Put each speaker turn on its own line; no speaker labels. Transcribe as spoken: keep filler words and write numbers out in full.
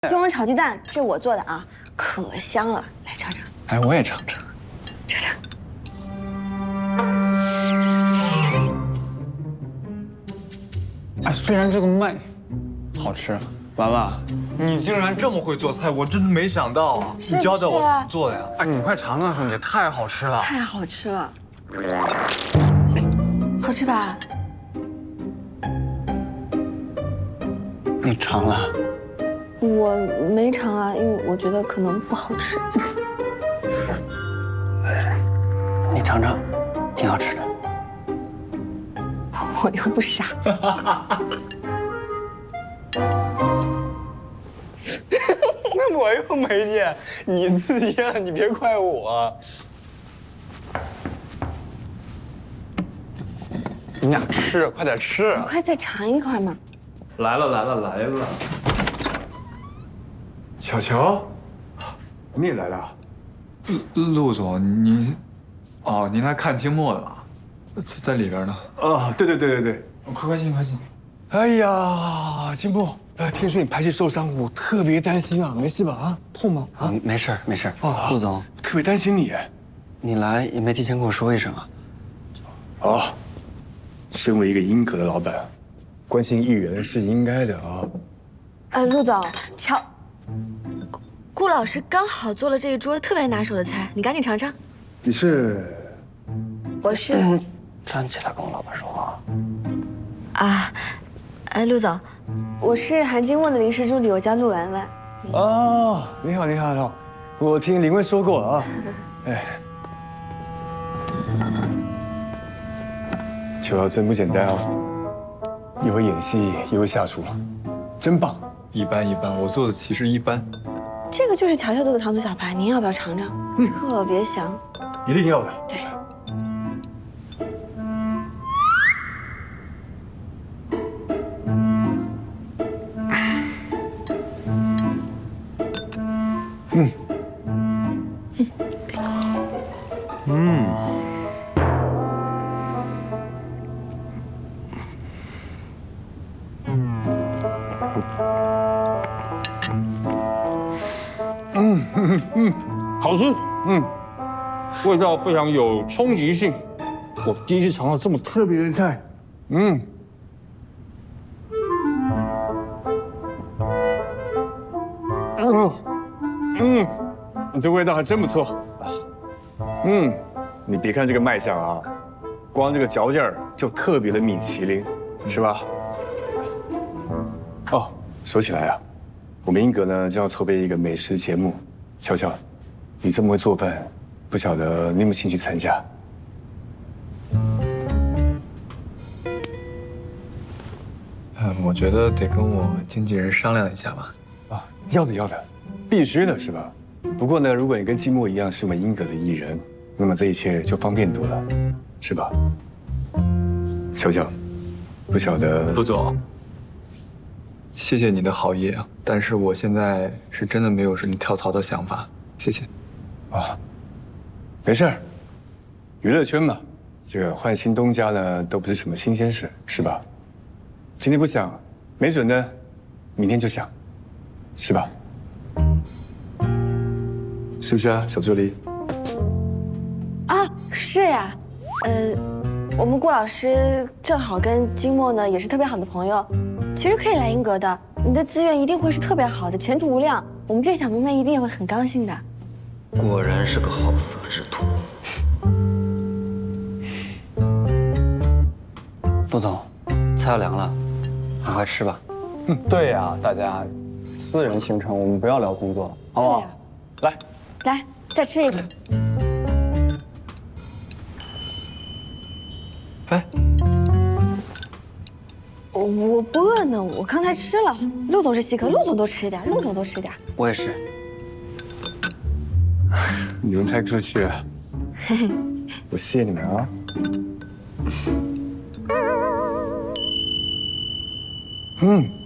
西红柿炒鸡蛋，这我做的啊，可香了，来尝尝。
哎，我也尝尝，
尝尝。
哎，虽然这个麦好吃，兰兰，你竟然这么会做菜，我真的没想到啊！你教教我怎么做的呀？哎，你快尝尝，兄弟，太好吃了！
太好吃了，好吃吧？
你尝了？
我没尝啊，因为我觉得可能不好吃。
你尝尝，挺好吃的。
我又不傻。
那我又没念，你自己念，你别怪我。你俩吃，快点吃！
你快再尝一块嘛。
来了来了来了！
巧巧，你也来了？
陆陆总，您，哦，您来看清末的吧？在在里边呢。
啊，对对对对对。
快快进快进！
哎呀，金木，呃，听说你排戏受伤，我特别担心啊，没事吧？啊，痛吗？啊，
没事没事。
啊，
陆总，
特别担心你。
你来也没提前跟我说一声啊。
啊，身为一个英格的老板，关心艺人是应该的啊。
呃，陆总，乔，顾顾老师刚好做了这一桌特别拿手的菜，你赶紧尝尝。
你是？
我是。
嗯，站起来跟我老板说话。
啊，哎，陆总，我是韩金墨的临时助理，我叫陆文文。
哦，你好，你好，你好，我听林文说过啊。哎，乔乔真不简单啊，又会演戏，又会下厨，真棒。
一般一般，我做的其实一般。
这个就是乔乔做的糖醋小排，您要不要尝尝？嗯、特别香。
一定要的。
对。
嗯。嗯。嗯嗯嗯，好吃。嗯，味道非常有冲击性。我第一次尝到这么特别的菜。嗯。嗯嗯，你这味道还真不错。嗯，你别看这个卖相啊，光这个嚼劲儿就特别的米其林，是吧？哦，说起来啊，我们英格呢就要筹备一个美食节目。乔乔，你这么会做饭，不晓得你有没有兴趣参加？
嗯，我觉得得跟我经纪人商量一下吧。
啊，要的要的，必须的是吧？不过呢，如果你跟季末一样是我们英格的艺人，那么这一切就方便多了，是吧？乔乔，不晓得
陆总，谢谢你的好意啊，但是我现在是真的没有什么跳槽的想法，谢谢。
啊，没事儿，娱乐圈嘛，这个换新东家呢都不是什么新鲜事，是吧？今天不想，没准呢，明天就想，是吧？是不是啊，小助理？
啊，是呀，呃，我们顾老师正好跟金墨呢也是特别好的朋友，其实可以来英格的，你的资源一定会是特别好的，前途无量。我们这小妹妹一定也会很高兴的。
果然是个好色之徒。陆总，菜要凉了，赶快吃吧。
嗯，对呀，大家私人行程我们不要聊工作了，好不好？来。
来，再吃一个。
哎，
我我不饿呢，我刚才吃了。陆总是稀客，陆总多吃点，陆总多吃点。
我也是。
你们太客气了，我谢你们啊。嗯。